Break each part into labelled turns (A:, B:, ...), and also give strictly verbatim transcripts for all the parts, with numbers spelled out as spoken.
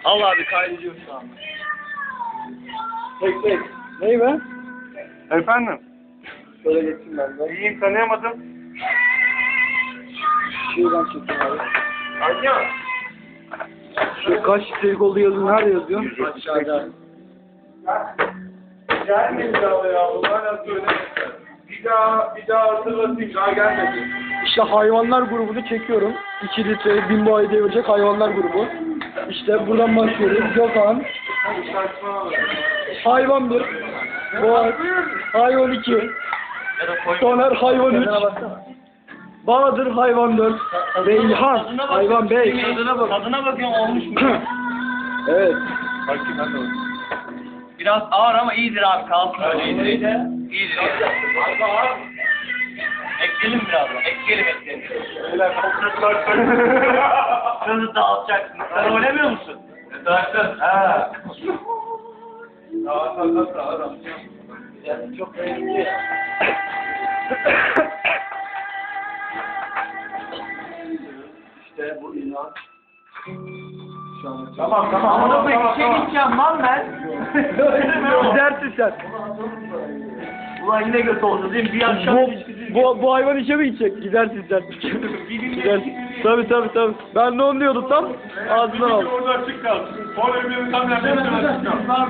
A: Al abi kaydediyorum şu anda.
B: Tek tek. Ney be?
C: Efendim?
B: Şöyle geçeyim ben de.
C: İyiyim, tanıyamadım.
B: Şuradan çekeyim abi.
C: Alo.
B: Şu kaç litrelik olduğu yazıyor. Nerede yazıyor?
C: Aşağıda. Gelmedi daha ya. Hala söylemedim. Bir daha, bir daha hatırlatayım. Daha gelmedi.
B: İşte hayvanlar grubunu çekiyorum. iki litre bin boğayı devirecek hayvanlar grubu. İşte buradan başlıyoruz. Gökhan. Hayvan bir. Boğa. Hayvan iki. Soner hayvan üç. Bahadır hayvan dört. Beyhan hayvan beş.
A: Tadına bak. Tadına bakıyorum olmuş mu?
B: Evet.
C: Bakayım ben de olayım.
A: Biraz ağır ama iyidir abi kalsın. Öyle iyidir. İyidir. İyidir.
C: Abi abi.
A: Ekleyelim biraz da. Ekleyelim ekleyelim.
C: Beyler koklatlar çok.
A: Nasıl dağıtacaksın? Sen oynamıyor musun?
C: Dağıttın.
A: Ha.
C: Dağıt dağıt dağıt dağıt.
B: Yani çok önemli. İşte bu ilan. Şu an
C: Tamam tamam.
A: Ama
C: tamam,
A: da
C: tamam,
A: bir şey
C: tamam.
A: gideceğim lan ben.
B: Gidersin sen.
A: Ulan yine göt oldu değil mi? Bir akşam
B: Bu,
A: ilişkisi.
B: bu, bu hayvan işe mi gidecek? Gidersin sen. Gidersin. Tabii tabii tabii. Ben de onu diyordum tam. Ağzından aldım.
C: Orada açık kal. Orada bir tam yerden açık kal.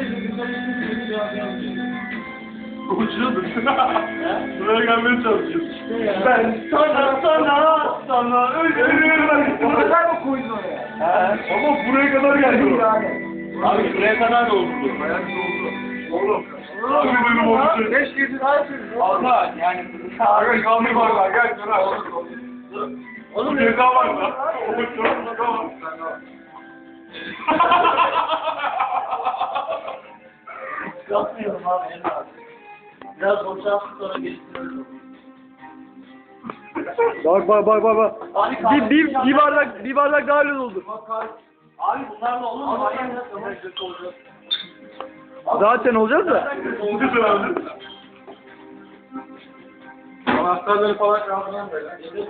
C: Uçuyordun. Buraya gelmeye çalışıyorsun.
A: Ben sana sana sana ölürüm.
B: O kadar mı koydun oraya?
A: He.
C: Ama buraya kadar geldi.
A: Abi buraya kadar da oldu.
C: Ayak doldu. Oğlum. Abi benim oldu.
B: Beş girdi daha yapıyoruz.
A: Allah yani.
C: Aga kalmayı var lan. Gel dur abi.
A: Oğlum
C: Bu ceza var lan. O çok ceza var.
A: yapmıyorum abi. Biraz boşaltıp sonra geçiyorum.
B: Bak bak bak bak bak.
A: Abi,
B: Bir, bir, bir bardak bir bardak daha öyle oldu.
A: Abi bunlarla olur mu?
B: Zaten olacağız da.
C: Oldu herhalde. Anahtarları falan kaldıran böyle.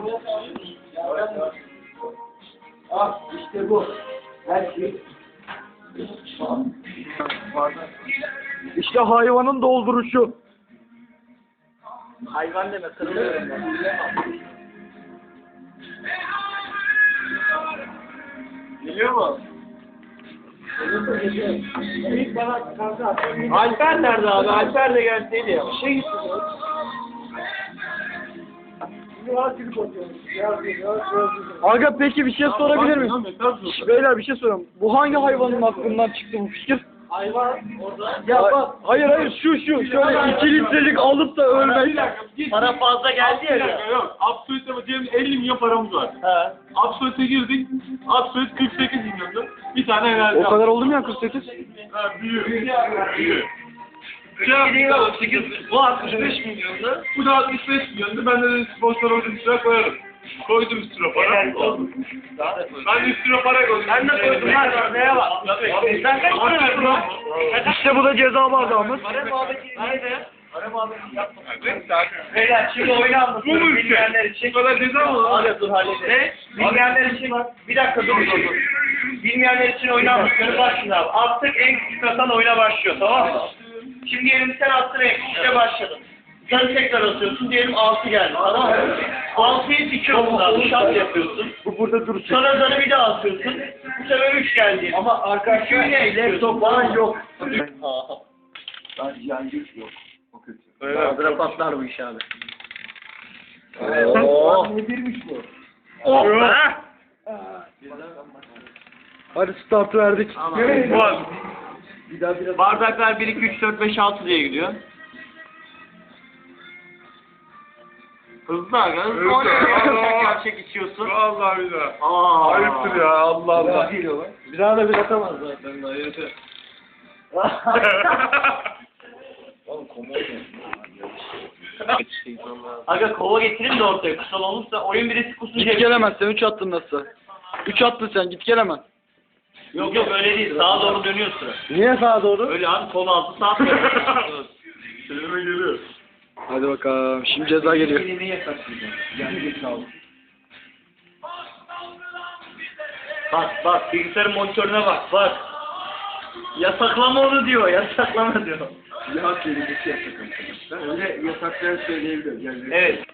B: Ah işte bu. Her şey. İşte hayvanın dolduruşu.
A: Hayvan deme kırılıyorum ben.
C: Geliyor mu?
A: Alper nerede abi? Alper de gelseydi ya.
B: Şey gitti. Aga peki bir şey sorabilir miyim? Şş, Beyler bir şey soruyorum. Bu hangi hayvanın aklından çıktı bu fikir?
A: Hayvan orada.
B: Ya bak. Hayır hayır şu şu şöyle iki litrelik alıp da
C: Bir
B: ölmek.
C: dakika. Git.
A: Para fazla geldi ya.
C: Bir dakika yok. Absolute diyelim elli milyon paramız var.
A: He.
C: Absolute'e girdik. Absolute kırk sekiz milyondu. Bir tane enerji
B: O kadar oldu mu ya kırk sekiz?
C: Ha, büyük. Büyük.
A: Bu altmış beş milyondu.
C: Bu da altmış beş milyondu. Ben de sponsor oldum üstüne koyarım. Koydum üstüne para. Ben de üstüne para koydum.
A: Ben de koydum lan. Neye bak? Sen kaç para verdin lan?
B: İşte bu da ceza bardağımız.
A: Para muhabbeti nerede? Para muhabbeti yapma. Beyler şimdi oyunu anlatıyorum.
C: Bu mu işte?
A: Bilmeyenler için.
C: Bu kadar ceza mı lan?
A: Hadi dur halledelim. Ne? Bilmeyenler için bir dakika dur dur dur. Bilmeyenler için oyunu anlatıyorum. Bak şimdi abi. Attık en küçük atan oyuna başlıyor, tamam mı? Şimdi diyelim sen attın en küçükte başladın. Sen tekrar atıyorsun, diyelim altı geldi, tamam mı? altıyı dikiyorsun abi, şart yapıyorsun.
B: Bu burada duracak.
A: Sonra zarı bir daha atıyorsun. Bu sefer üç geldi.
B: Ama arkadaşlar laptop falan yok.
A: Bahadıra patlar bu iş abi.
B: Oo. Nedirmiş bu?
A: Oh be!
B: Hadi start verdik.
C: Var.
B: Bir daha biraz.
A: Bardaklar bir, iki, üç, dört, beş, altı diye gidiyor. Hızlı aga, hızlı
C: Hızlı.
A: oynuyorsun. Gerçek içiyorsun.
C: Vallahi bir daha.
A: Aa.
C: Ayıptır ya Allah Allah.
B: Bir daha da bir atamaz zaten.
A: Aga kova getirin de ortaya kusal olursa oyun birisi kusunca...
B: Git gelemezsen üç attın nasıl? üç attın sen git gelemez.
A: Yok yok öyle değil, sağa doğru dönüyor sıra.
B: Niye sağa doğru?
A: Öyle abi kol altı sağa doğru.
C: Kelime geliyor.
B: Hadi bakalım şimdi ceza geliyor.
A: Kelimeyi yasaklayacağım. Yani geç aldım. Bak bak bilgisayarın monitörüne bak bak. Yasaklama onu diyor, yasaklama diyor.
B: Silah kelimesi yasak arkadaşlar. Öyle yasaklayan söyleyebilir. Yani
A: Evet.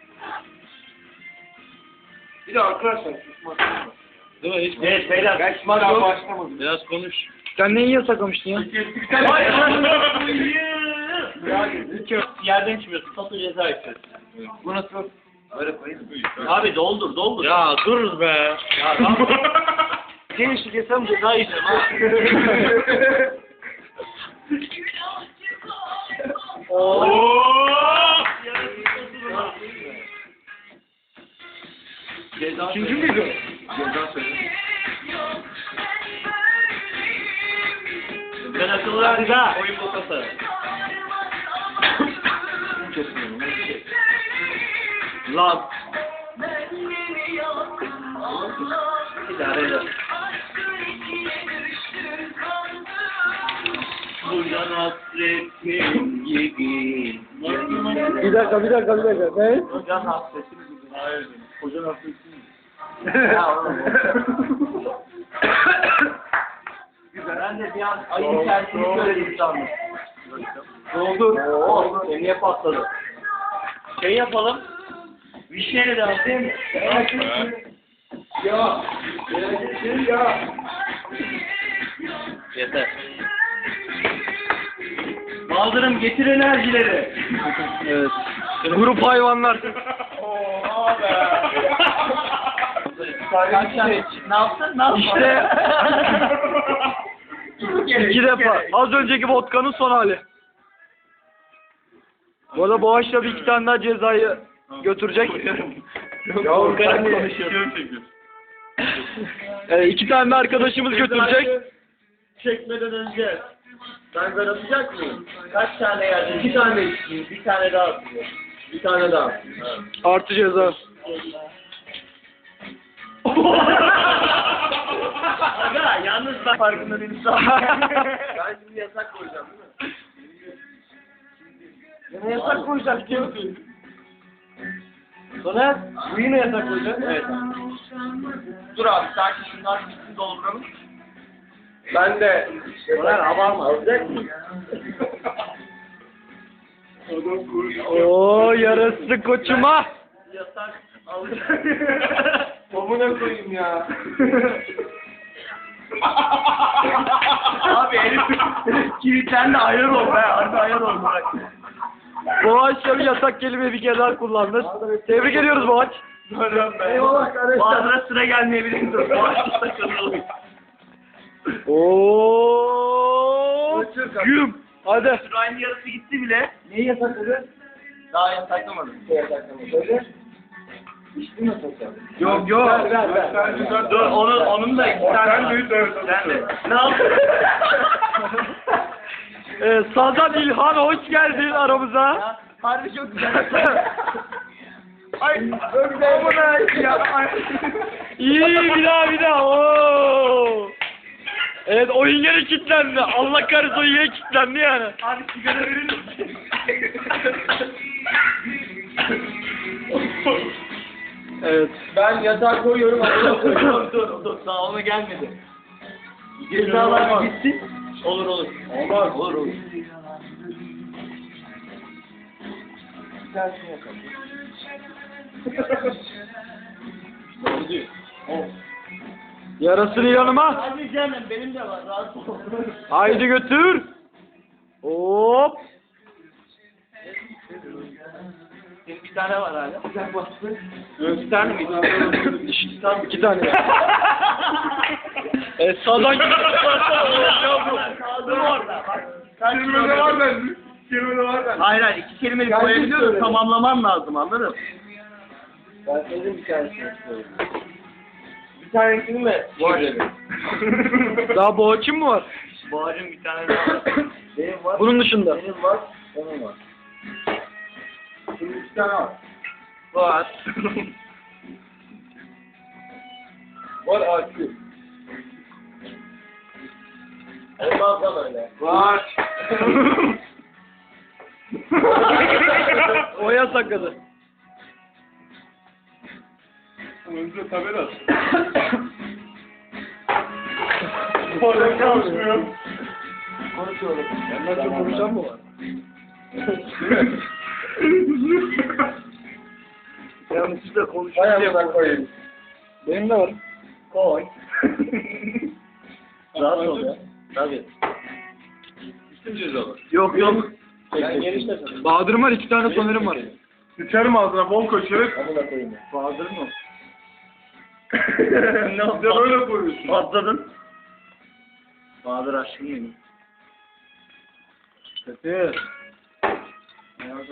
C: Bir de arkadaşlar susmak. Değil mi? Hiç
A: Evet beyler.
B: ben şimdi daha başlamadım.
C: Biraz konuş.
B: Sen neyi yasaklamıştın ya?
A: Hayır. Yerden içmiyorsun. Tatlı ceza içiyorsun.
B: Bu nasıl?
A: Böyle koyayım mı? Abi doldur doldur.
C: Ya dur be.
A: Ya tamam. Gençlik yesem ceza yiyeceğim ha.
C: Ooo!
A: Ceza
B: İkinci miydi o? Ceza söyle.
A: Ben akıllı verdim ha. Oyun bokası.
B: Kesmiyorum. Ben şey.
A: Lan. İdare eder. Buradan hasretim gibi.
B: Bir dakika, bir dakika, bir dakika. Ne?
A: Buradan hasretim gibi.
C: Hayır.
B: Hocanın hasreti mi?
A: Ya oğlum. Ben de bir an ayın tersini söyledim sandım.
B: Oldu.
A: Oo, niye patladı? Şey yapalım. Vişneyle de atayım.
B: Ya. Şey ya.
A: Yeter. Baldırım getir enerjileri.
B: Evet. Grup hayvanlar.
C: Oha be.
A: Kaç tane? Ne yaptın? Ne yaptın?
B: İşte
A: İki kere,
B: iki defa.
A: kere.
B: Az önceki vodkanın son hali. Bu arada Boğaç'la bir iki tane daha cezayı götürecek.
A: Ya
B: Korkarak
C: Konuşuyorum çekiyor.
B: Evet, iki tane de arkadaşımız götürecek.
A: Çekmeden önce ben ben atacak mıyım? Kaç tane yerdin? İki tane içeyim. Bir tane daha atıyor. Bir tane daha.
B: Artı ceza.
A: Aga yalnız ben farkında değilim. Ben şimdi yasak koyacağım değil mi? Yine yasak koyacağım diyorsun. Sonra bu yine yasak koyacak. Evet. Dur abi sakin şunlar bitsin dolduralım.
B: Ben de.
A: Soner abarma alacak mısın?
B: Oo yarası koçuma.
A: Yasak alacak.
B: Babuna koyayım ya.
A: Abi herif kilitlendi ayar ol be. Hadi ayar ol bırak.
B: Boğaç'la bir yasak kelime bir kere daha kullandı. Tebrik ediyoruz Boğaç.
A: Eyvallah arkadaşlar. Bazılara sıra gelmeyebilir. Dur.
B: Oo. Güm. Hadi.
A: Sırayın yarısı gitti bile.
B: Neyi yasakladı?
A: Daha yasaklamadım.
B: Yasakladı. İçti mi yasakladı?
A: Yok yok.
B: Ver ver ver.
A: Dur onun onun da iki tane
C: Sen
A: var.
C: büyük de
A: Sen de. Ne yaptın?
B: Ee, Sazan İlhan hoş geldin aramıza.
A: Ya, harbi çok güzel.
B: Ay amına ya. İyi bir daha bir daha. Oo. Evet oyun yine kilitlendi. Allah kahretsin oyun yine kilitlendi yani.
A: Abi sigara verir misin?
B: Evet.
A: Ben yatağa koyuyorum. dur dur dur. Daha ona gelmedi. Cezalar gitsin. Olur olur. Olmaz. Olur olur.
B: Yarasını yanıma.
A: Hadi canım benim de var. Rahat ol.
B: Haydi götür. Hop.
A: Senin bir tane var hala. Yok bir tane miydi?
B: Tamam iki tane. e, sağdan
A: Kaldım orada. Bak. Kaç
C: Kelimede var bende. Kelimede var bende.
A: Hayır hayır iki kelimeyi
B: Yani
A: koyabiliyorsun
B: söyle.
A: tamamlaman lazım anladın mı?
B: Ben senin bir tanesini istiyorum.
A: Bir tanesini mi?
B: Var. Daha boğaçın mı var?
A: Bağcım bir tane daha var. Benim var.
B: Bunun dışında.
A: Benim var. Onun var.
B: Bunun iki tane var.
A: Var.
B: Var artı.
A: Olmaz lan öyle.
B: Var. O yasakladı.
C: Önce tabela. Sporda çalışmıyor.
B: Konuşuyorum. Benden çok konuşan mı var? Yanlışlıkla konuşuyor diye koyayım. Benim de var. Koy. Rahat ol ya. Tabii.
C: Bütün cezalar.
B: Yok yok. Bahadır'ım var, iki tane sonerim var.
C: Sıçarım ağzına bol koy şeref.
B: Amına koyayım. Bahadır mı?
C: Ne yapacağım öyle koyuyorsun.
B: Patladın. Bahadır aşkım benim. Kötü.